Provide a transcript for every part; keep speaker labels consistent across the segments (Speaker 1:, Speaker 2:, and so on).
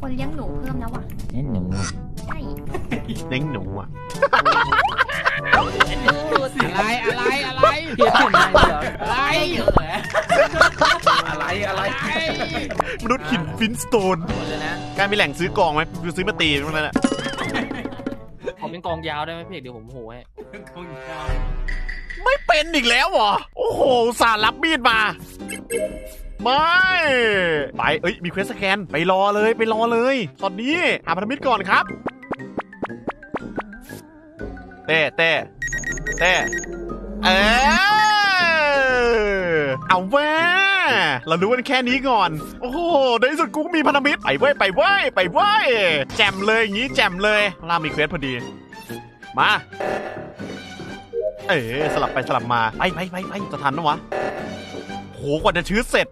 Speaker 1: คนเลี้ยงหนูเพิ่มแล้วว่ะ
Speaker 2: เน้นหนู
Speaker 1: ใช่
Speaker 3: เลี้ยงหนูอ่ะ
Speaker 4: อะไรเพี้ยนอะไรเหรออะไร
Speaker 3: มนุษย์หินฟินสโตนการมีแหล่งซื้อกองไหมซื้อมาตีมันนั่นแหละ
Speaker 4: ผมเป็นกองยาวได้ไหมพี่เดี๋ยวผมโหให้
Speaker 3: ไม่เป็นอีกแล้วเหรอโอ้โหสารรับมีดมาไม่ไปเอ้ยมีเควสสแกนไปรอเลยตอนนี้หาพันธมิตรก่อนครับเต้เอาแว่เรารู้กันแค่นี้ก่อนโอ้โหในที่สุดกูมีพันธมิตรไปเว้ยแจ่มเลยอย่างงี้แจ่มเลยล่ามีเควสพอดีมาสลับไปสลับมาไปจะทันนะวะโหกว่าจะชื้อเสร็จ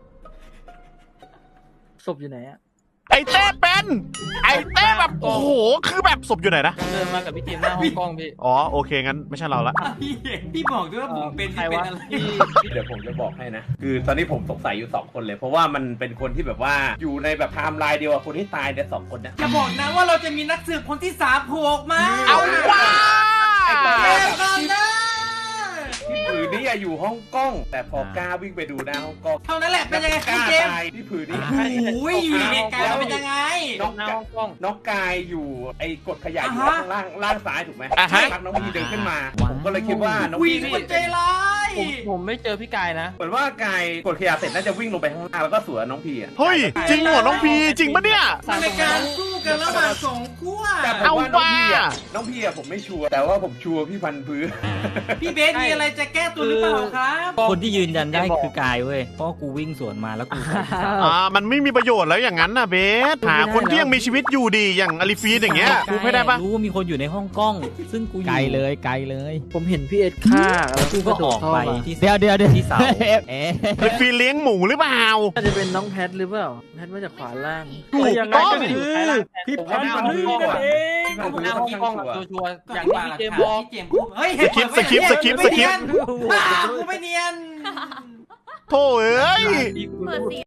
Speaker 5: ศพอยู่ไหนอะ
Speaker 3: ไอ้เต้เป็นไอ้เต้แบบโอ้โหคือแบบศพอยู่ไหนนะ
Speaker 4: เดินมากับพี่ทีมหน้าห้องกล้องพี่
Speaker 3: อ๋อโอเคงั้นไม่ใช่เราละ
Speaker 6: พี่บอกด้วยว่าผมเป็น
Speaker 4: ใคร
Speaker 6: ที่เป็น
Speaker 4: วะ
Speaker 6: อะไร
Speaker 7: เดี๋ยวผมจะบอกให้นะ คือตอนนี้ผมสงสัยอยู่2คนเลย เพราะว่ามันเป็นคนที่แบบว่าอยู่ในแบบไทม์ไลน์เดียวกับคนที่ตายใน2คนนะ
Speaker 6: อย่าบอกนะว่าเราจะมีนักสืบคนที่3โผล่ออกมา
Speaker 3: เอาว่า
Speaker 6: เร็วกันนะ
Speaker 7: พี่ผือนี่อยู่ห้องกล้อง แต่พอกล้าวิ่งไปดูหน้าห้องกล้อง
Speaker 6: เท่านั้นแหละเป็นยังไง
Speaker 7: ก
Speaker 6: พี่
Speaker 7: ล้า
Speaker 6: เจมส์
Speaker 7: ตายพี่ผือนี่
Speaker 6: โอ้ยอยู่ในเหตุการณ์เป็นยังไง
Speaker 7: น้อง
Speaker 4: หน้าห้องกล้อง
Speaker 7: น้องกายอยู่ไอ้กดขยะอยู่
Speaker 6: อ่าฮะ
Speaker 7: ข้างล่างซ้ายถูกไหม
Speaker 3: อ่าฮะ
Speaker 7: พักน้องพีเดินขึ้นมา ผมก็เลยคิดว่าน้อง
Speaker 6: อุ้ย
Speaker 7: พี
Speaker 6: นี่
Speaker 7: นี่
Speaker 6: มันใจร้าย
Speaker 4: ผมไม่เจอพี่กายนะ
Speaker 7: เหมือนว่ากายกดขยะเสร็จน่าจะวิ่งลงไปข้างล่างแล้วก็สวนน้องพีอ่ะ
Speaker 3: เฮ้ยจริงเหรอน้องพีจริงปะเนี่ย
Speaker 6: มันเป็นการสู้กันระหว่างสองขั้ว
Speaker 7: แต่ผมว่าน้องพีอ่ะผมไม่ชัวร์แต่ว่าผมชัวร์พี่พันธุ์พื้น
Speaker 6: พี่เบสมีอะไรจะแก้ตัวหรือเปล่าครับ
Speaker 2: คนที่ยืนยันได้คือกายเว้ยเพราะกูวิ่งสวนมาแล้วกู
Speaker 3: มันไม่มีประโยชน์แล้วอย่างนั้นนะเบสหาคนที่ยังมีชีวิตอยู่ดีอย่างอลิฟีนอย่างเงี้ยกูไม่ได้ปะ
Speaker 2: รู้ว่ามีคนอยู่ในห้องกล้อง ซึ่งกูไกลเลย
Speaker 5: ผมเห็นพี่เอ็ดฆ่าแล้ว
Speaker 2: กูก็ออกไป
Speaker 5: ที่
Speaker 2: ที่เดี๋ยวที่เสา
Speaker 3: อลิฟีนเลี้ยงหมูหรือเปล่า
Speaker 5: น่าจะเป็นน้องแพทหรือเปล่าแพทมาจากขวาล่าง
Speaker 3: ถูกต้อง
Speaker 7: พี่พันธุ์พื้นก่อนพี่พันธุ์พื้น
Speaker 4: หน้า
Speaker 7: ค่
Speaker 4: ห้
Speaker 7: อ
Speaker 4: อน ง
Speaker 7: ข้าง
Speaker 4: กล้อง
Speaker 7: ชัวร์
Speaker 4: ชัวร์อย่างที่พี่เจมส์บอก
Speaker 6: พี่เจมส์พูดเฮ้ย
Speaker 3: สคริปต์
Speaker 6: กูไม่เนียน
Speaker 3: โถ่เอ้ย
Speaker 1: เปิดสี